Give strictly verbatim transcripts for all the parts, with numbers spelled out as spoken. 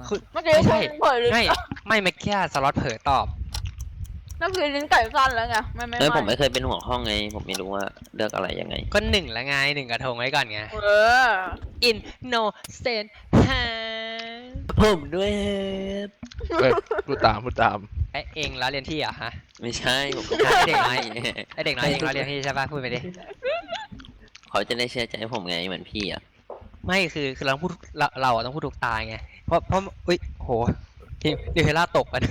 คือเมื่อกี้ไม่ใช่เผยลิ้นไม่ไม่เมื่อกี้สล็อตเผลอตอบนั่นคือลิ้นไก่สั้นแล้วไงไม่ไม่เอ้ยผมไม่ไม่เคยเป็นหัวห้องไงผมไม่รู้ว่าเลือกอะไรยังไงก็หนึ่งละไงหนึ่งกระทงไว้ก่อนไงเออ in no sense ฮะผมด้วยเอ้ยพูดตามพูดตามไอเองแล้วเรียนที่เหรอฮะไม่ใช่ผมก็ไอเด็กน้อยไม่ไอเด็กน้อยเองแล้วเรียนที่ใช่ปะพูดไปดิเขาจะได้เชื่อใจผมไงเหมือนพี่อ่ะไม่คือคือเราต้องพูดเราเราอะต้องพูดถูกตายไงเพราะเพราะอุ้ยโหทีนิวเทล่าตกอ่ะ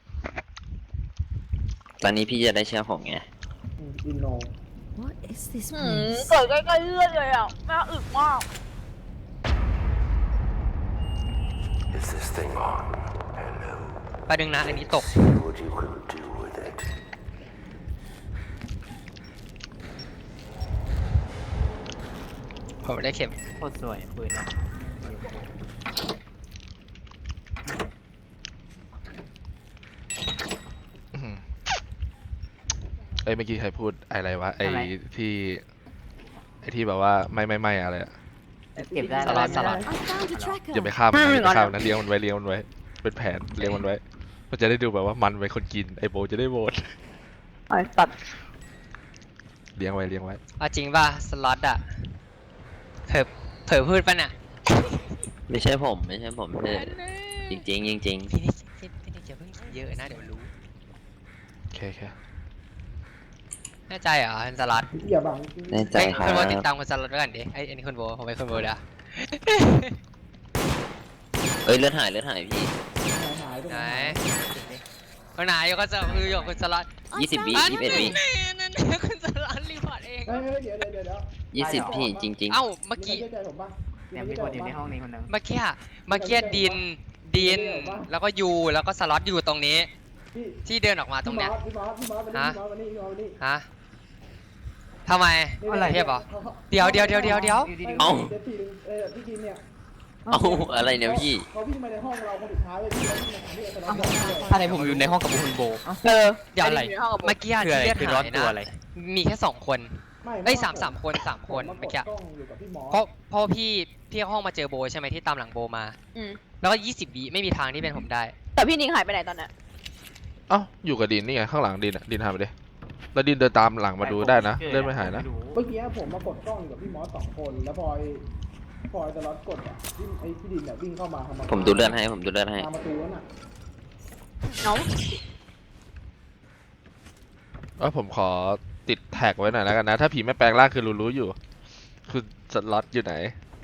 ตอนนี้พี่จะได้เชื่อผมไงอินโน What is this หืม place? เกิดใกล้ๆเลือดเลยอ่ะแม่อึมาก Is this thing on? Hello. ประเด็นนะอันนี้ตก See what you can do with it. ผมได้เข็มโคตรสวยปืนนะอื้อหือเอ้ยเมื่อกี้ใครพูดอะไรวะไอ้ที่ไอ้ที่แบบว่าไม่ไม่ไม่อะไรอะเก็บได้สลัดสลัด I found a tracker. อย่าไปข้ามมันนะอย่าไปข้ามนะเลี้ยงมันไว้เลี้ยงมันไว้เป็นแผนเลี้ยงมันไว้มันจะได้ดูแบบว่ามันเป็นคนกินไอโบจะได้โหวตไอ้ตัดเลี้ยงไว้เลี้ยงไว้เอาจริงป่ะสล็อตอะเผลอเผลอพูดป่ะน่ะไม่ใช่ผมไม่ใช่ผมคือจริงจริงๆจริงพี่นี่พี่พี่นี่อย่าเพิ่งเยอะนะเดี๋ยวรู้โอเคโอเคแน่ใจเหรอคุณสล็อตอย่าบังๆแน่ใจไอ้ยครัคุณโบติดบตามคุณสล็อตไว้ก่อนดิไอ้อันนี้คุณโบผมไปคุณโบเด้อเอ้ยเลือดหายเลือดหายพี่หายไปไหนคนไหนก็จะคือหยกคุณสล็อต I ยี่สิบ found วิ a ยี่สิบเอ็ดวินั่นคุณสล็อตรีพอร์ตเองเฮ้ยเดี๋ยวเดี๋ยวเดี๋ยวเดี๋ยวยี่สิบพี่จริงเอ้าเมื่อกี้เชื่อใจผมป่ะเนี่ยมีคนอยู่ในห้องนี้คนหนึงเมื่อกี้อะเมื่อกี้ดินดินแล้วก็ยูแล้วก็สล็อตอยู่ตรงนี้พี่ที่เดินออกมาตรงเนี้ยพี่มอสพี่มอสพี่มอสมานี่พี่มอสมานี่พี่มอสมานี่ฮะทำไม เทียบเหรอ เดี๋ยวเดี๋ยวเดี๋ยวเดี๋ยวเดี๋ยวเอ้าเดี๋ยวทีนึงเออพี่กินเนี่ยๆ เอ้าอะไรเนี่ยพี่เขาวิ่งมาในห้องเราคนสุดท้ายเลยพี่แล้ววิ่งมาหาพี่เอตลอดอะไรผมอยู่ในห้องกับคุณโบเออเดี๋ยวอะไรในห้องกับผมเมื่อกี้อะคืออะไรที่เลือดคือร้อหาน ยตัวนะอะไรมีแค่สองคนไม่เอ้ยสามสามคนสามคนผเมื่อกี้กดกล้องอยู่กับพี่มอสเพราะเพราะพี่พี่เข้าห้องมาเจอโบใช่ไหมที่ตามหลังโบมาอืมแล้วก็ยี่สิบวิไม่มีทางที่เป็นผมได้แต่พี่นิงหายไปไหนตอนนั้นเอ้าอยู่กับดินนี่ไงข้างหลังดินอะดินหายไปดิแล้วดินเดินตามหลังมาดูได้นะเดินไม่หายนะเมื่อกี้ผมมากดกล้องอยู่กับพี่มอสสองคนแล้วพลอยพลอยตลอดกดอ่ะวิ่งไอ้พี่ดินเนี่ยวิ่งเข้ามาทำผมดูเลือดให้ผมดูเลือดให้ตามประตูนั่นน่ะน้องเออผมขอติดแท็กไว้หน่อยแล้วกันนะ ถ้าผีไม่แปลงร่างคือรู้ๆอยู่ คือสล็อตอยู่ไหน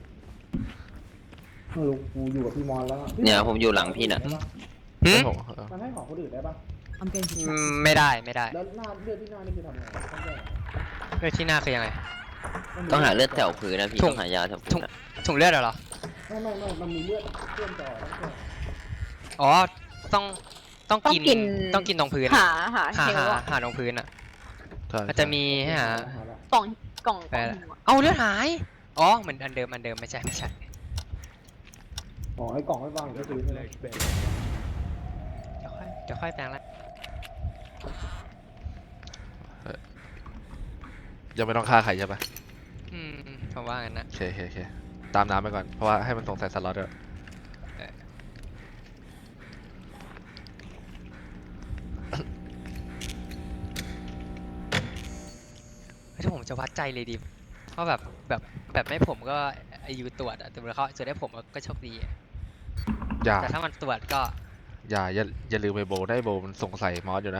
ไม่รู้กูอยู่กับพี่มอสแล้วอะเนี่ยผมอยู่หลังพี่น่ะหืมผมมันให้ของคนอื่นได้ปะ I'm going to อื track ม this. ไม่ได้ไม่ได้แล้วหน้าเลือดที่หน้านี่คือทำไงต้องแยกเลือดที่หน้าคือยังไงต้องหาเลือดแถวพื้นนะพี่ถุงต้องหายาแถวถุพื้งนอะถุงเลือดเหรอไม่ไม่ไม่มันมีเลือดเชื่อมต่อต้องแยกอ๋อต้องต้องต้องกินกินต้องกินตรงพื้นหาหาหาเชลหาอะหาตรงพื้นอ่ะใช่มันจะมีให้หาหาละกล่องกล่องไปกล่องละหิวอะเอาเลือดหาย อ๋อเหมือนอันเดิมอันเดิมไม่ใช่ไม่ใช่อ๋อไอ้กล่องไม่วางอยู่ที่พื้นใช่ไหมเดี๋ยวค่อยเดี๋ยวค่อยแปลงละยังไม่ต้องฆ่าใครใช่ปะอืมผมว่างั้นนะโอเคโอเคโอเคตามน้ำไปก่อนเพราะว่าให้มันสงสัยสล็อตด้วยถ้าผมจะวัดใจเลยดิเพราะแบบแบบแบบไม่ผมก็อายุตรวจอะแต่เวลาเขาจะได้ผมก็โชคดีอะอย่าแต่ถ้ามันตรวจก็อย่าอย่าอย่าลืมไปโบได้โบมันสงสัยมอสอยู่นะ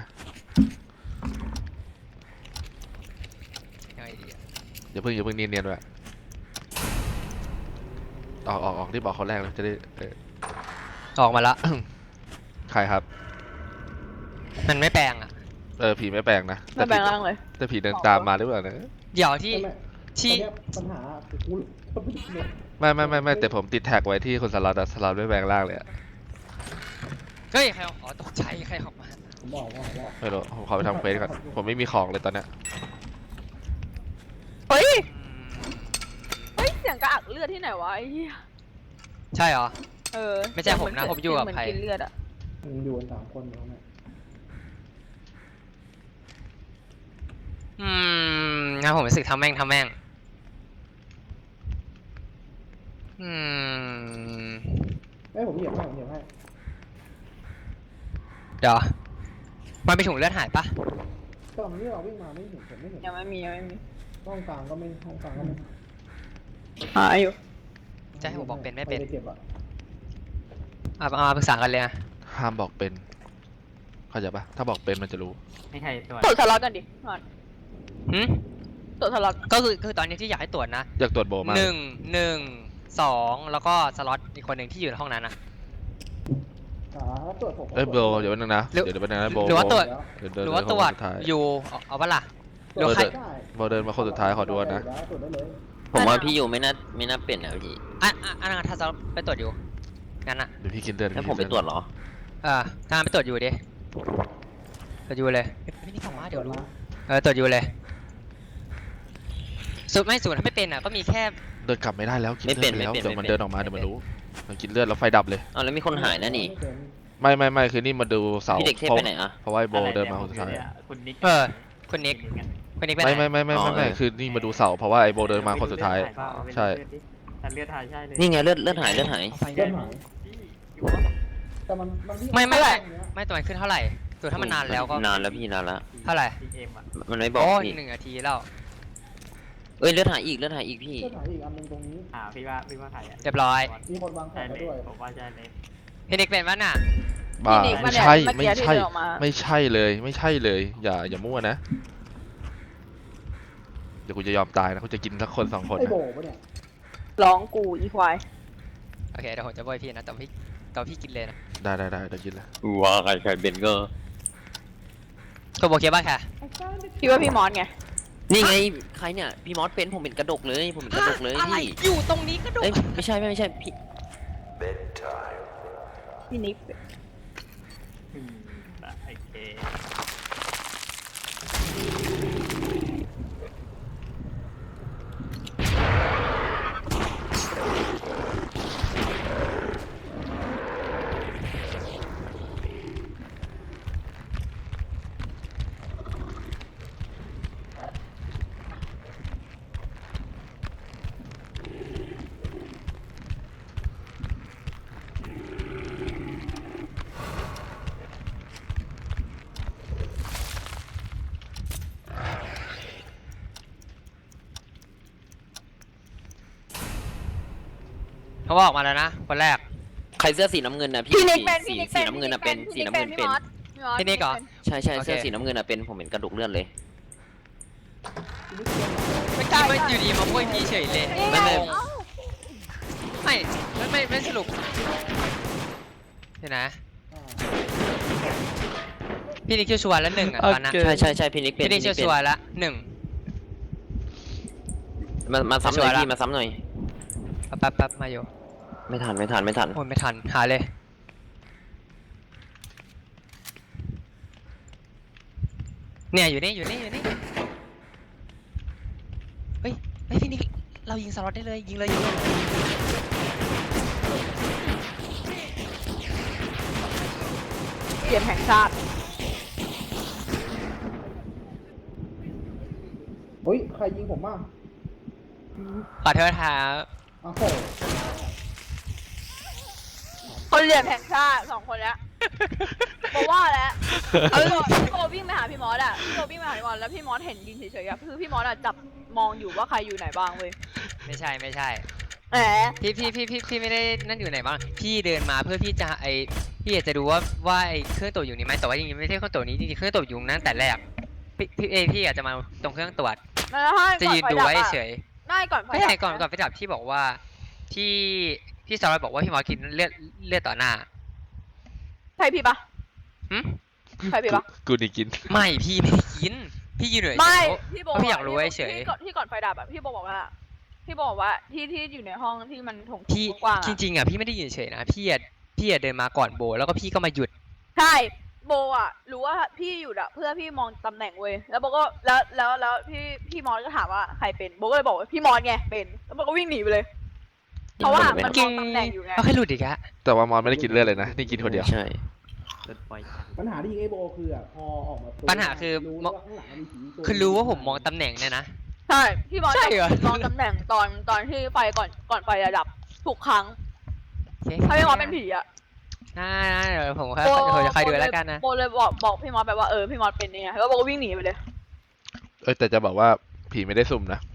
ยังไงดีอะอย่าเพิ่งอย่าเพิ่งเนียนๆด้วยออกออกออกที่บอกเขาแรกเลยจะได้เออออกมาละใครครับมันไม่แปลงอะเออผีไม่แปลงนะไม่แปลงร่างเลยแต่ผีเดินตามมาหรือเปล่านะเดี๋ยวที่ไม่ที่ไม่ปัญหาคือกูไม่ไม่ไม่ไม่แต่ผมติดแท็กไว้ที่คนสล็อตอะสล็อตไม่แปลงร่างเลยอะเฮ้ยใครออกอ๋อตกใจใครออกมาผมบอกว่าว่าไม่รู้ผมขอไปทำเควสก่อนผมไม่มีของเลยตอนเนี้ยเฮ้ยอืมเฮ้ยเสียงกระอักเลือดที่ไหนวะไอ้เหี้ยใช่เหรอเออไม่ใช่ผมนะผมอยู่กับใครเหมืนกินเลือดอะมันอยู่กันสามคนอยู่ตรงนั้นอืมงั้นผมรู้สึกทำแม่งทำแม่ง อืมเอ้ยผมเหยียบให้ผมเหยียบให้เดี๋ยวมันไปถุงเลือดหายปะตอนนี้เราวิ่งมาไม่เห็นผมไม่เห็นยังไม่มียังไม่มีห้องกลางก็ไม่ห้องกลางก็ไม่หาอยู่จะให้ผมบอกเป็นไม่เป็นใครจะเก็บอ่ะเอาเอามาปรึกษากันเลยอะห้ามบอกเป็นเข้าใจปะถ้าบอกเป็นมันจะรู้ไม่ใช่ตัวตรวจสล็อตกันดิก่อนหืมตรวจสล็อตก็คือคือตอนนี้ที่อยากให้ตรวจนะอยากตรวจโบมากหนึ่งหนึ่งสองแล้วก็สล็อตอีกคนหนึ่งที่อยู่ในห้องนั้นนะอ่าถ้าตรวจผมเอ้ยโบเดี๋ยวแป๊บนึงนะหรือเดี๋ยวเดี๋ยวแป๊บนึงนะโบหรือว่าตรวจเดี๋ยวเดินหรือว่าเดินตรวจคนสุดท้ายอยู่เอาเอาปะล่ะตรวจเดี๋ยวใครได้โบเดินมาคนสุดท้ายขอดูก่อนนะตรวจได้เลยผมว่าพี่อยู่ไม่น่าไม่น่าเป็นนะพี่อ่ะอ่ะอันนั้นถ้าสล็อตไปตรวจอยู่งั้นอะเดี๋ยวพี่กินเดินถ้าผมไปตรวจเหรอเออถ้าไปตรวจอยู่ดิตรวจอยู่เลยไม่นี่ของมาเดี๋ยวรู้เออตรวจอยู่เลยสุดไม่สุดถ้าไม่เป็นอ่ะก็มีแค่เดินกลับไม่ได้แล้วกินไม่เลืเป็อน ดไปแล้วไม่เป็นเดี๋ยวมันไม่เป็นเดินออกมาเดี๋ยวมันรู้มันกินเลือดแล้วไฟดับเลยอ้าวแล้วมีคนหายนะนี่ไม่เป็นไม่ไม่ไม่คือนี่มาดูเสาพี่เด็กเทพเพราะไปไหนอะเพราะว่าไอ้โบเดินมาคนสุดท้ายคุณนิกเออคุณนิกคุณนิกไปไหนไม่ไม่ไม่ไม่ไม่ไม่คือนี่มาดูเสาเพราะว่าไอ้โบเดินมาคนสุดท้าย ใช่แต่เลือดหายใช่เลยนี่ไงเลือดเลือดหายเลือดหายเอาไฟเดิได้นหายแต่มันมันวิ่งไม่ไม่ไม่ไม่ตัวมันขึ้นเท่าไหร่ตัวถ้ามันนานแล้วก็นานแล้วพี่นานแล้วเท่าไหร่เอ็มอ่ะมันไม่บอกโอ้ยพี่หนึ่งนาทีแล้วเอ้ยเลือดหายอีกเลือดหายอีกพี่เดินหายอีกอันหนึงตรงนี้อ่าพี่ว่าพี่ว่าใครอ่ะเรียบร้อยมีคนวางแผใช่นเลมาย ด้วยผมว่าใช่เลยพี่นิกเป็นปะน่ะบ้าพี่นิกไม่มาเนี่ยใช่เมื่อไม่กี้ที่ใช่เดินออกมาไม่ใช่เลยไม่ใช่เลย อย่าอย่ามั่วนะ เดี๋ยวกูจะยอมตายนะกูจะกินสักคนสองคนไอ้นะโบปะเนี่ยร้องกูอีควายโอเคเดี๋ยวผมจะโบยพี่นะแต่พี่แต่พี่กินเลยนะได้ได้ได้เดี๋ยวกินเลยว่าใครใครเป็นก็ตัวโบเกียบ้าค่ะพี่ว่าพี่มอสไงนี่ไงใครเนี่ยพี่มอสเป็นผมเป็นกระดกเลยผมเป็นกระดกเลยอะไรพี่อยู่ตรงนี้ก็ดูเอ้ยไม่ใช่ไม่ไม่ใช่พี่ Bedtime. พี่นิกอืมโอเคเขาบอกมาแล้วนะคนแรกใครเสื้อสีน้ำเงินนะพี่พี่นิกสีเป็นสีพี่นิกสีเป็นน้ำเงินอะเป็นสีน้ำเงินพี่เป็นมอสมอสพี่นิกเหรอใช่ใช่โอเคเสื้อสีน้ำเงินอะเป็นผมเห็นกระดกเลือดเลยเมื่อกี้มันอยู่ดีมาโบยพี่เฉยเลยนี่ไม่ไงไม่เอ้าไม่ไม่ไม่ไม่สรุปเดี๋ยวนะอ่าพี่นิกชัวร์ๆแล้วหนึ่งอ่ะตอนนั้นใช่ใช่ใช่พี่นิกเป็นพี่นิกพี่นิกเป็นชัวร์ๆแล้วหนึ่งมามาซ้ำหน่อยชัวร์ละพี่มาซ้ำหน่อยแป๊บแป๊บมาอยู่ไม่ทันไม่ทันไม่ทันโอ้ยไม่ทันหาเลยเนี่ยอยู่นี่อยู่นี่อยู่นี่เฮ้ยเฮ้ยพี่นิกเรายิงสล็อตได้เลยยิงเลยยิงเลยเกมแห่งชาติเฮ้ยใครยิงผมบ้างขอโทษครับอ้าวโหคนเหลี่ยมแห่งชาติสองคนแล้วบอกว่าแล้วเออพี่โบวิ่งไปหาพี่มอสอะพี่โบวิ่งไปหาพี่มอสแล้วพี่มอสเห็นยิงเฉยๆอะคือพี่มอสอะจับมองอยู่ว่าใครอยู่ไหนบ้างเว้ยไม่ใช่ไม่ใช่แหมพี่พี่พี่พี่พี่ไม่ได้นั่นอยู่ไหนบ้างพี่เดินมาเพื่อพี่จะไอพี่อยากจะดูว่าว่าไอเครื่องตรวจอยู่นี่ไหมแต่ว่าจริงๆไม่ใช่เครื่องตรวจนี้จริงๆเครื่องตรวจอยู่นั้นแต่แรกพี่พี่เอยพี่อยากจะมาตรงเครื่องตรวจแล้วให้จะยืนดูก่อไว้ฟดับอะเฉยได้ก่อนไฟไม่ดับใช่ก่อนก่อนไปจับพี่บอกว่าที่พี่สารวัตรบอกว่าพี่หมอกินเลือดเลือดต่อหน้าใช่พี่ปะหึใช่พี่ปะกูนี่กินไม่พี่ไม่ได้กินพี่ยืนเฉยๆไม่เพราะพี่โบเพราะพี่อยากรู้เฉยๆที่ก่อนที่ก่อนไฟดับอะพี่โบบอกว่าพี่โบบอกว่าที่ที่อยู่ในห้องที่มันถงพี่กว้างๆจอะริงๆอ่ะพี่ไม่ได้ยืนเฉยๆนะพี่อะพี่อะเดินมาก่อนโบแล้วก็พี่ก็มาหยุดใช่โบอะรู้ว่าพี่อยู่อะเพื่อพี่มองตำแหน่งเว้ยแล้วโบก็แล้วแล้วแล้วพี่พี่มอสก็ถามว่าใครเป็นโบก็เลยบอกว่าพี่มอสไงเป็นแล้วโบก็วิ่งหนีไปเลย เพราะว่ามันมองตำแหน่งอยู่ไงเอาแค่หลุดอีกอะแต่ว่ามอนไม่ได้กินเลือดเลยนะนี่กินคนเดียวใช่เลือดปล่อยปัญหาที่ยิงไอ้โบคืออ่ะพอออกมาตัวปัญหาคือรู้มว่าข้างหลังมันมีผีตัวคือรู้ว่าผมมองตำแหน่งเนี่ยนะใช่พี่มอสใช่เหรอมองตำแหน่งตอนตอนที่ไฟก่อนก่อนไฟจะดับทุกครั้งถ้าพี่มอสเป็นผีอะน่าๆเดี๋ยวผมค่อยผมจะคอยดูแล้วกันนะโบเลยบอกบอกพี่มอสไปว่าเออพี่มอสเป็นเนี่ยแล้วโบก็วิ่งหนีไปเลยเอ้ยแต่จะบอกว่าผีไม่ได้สุ่มนะ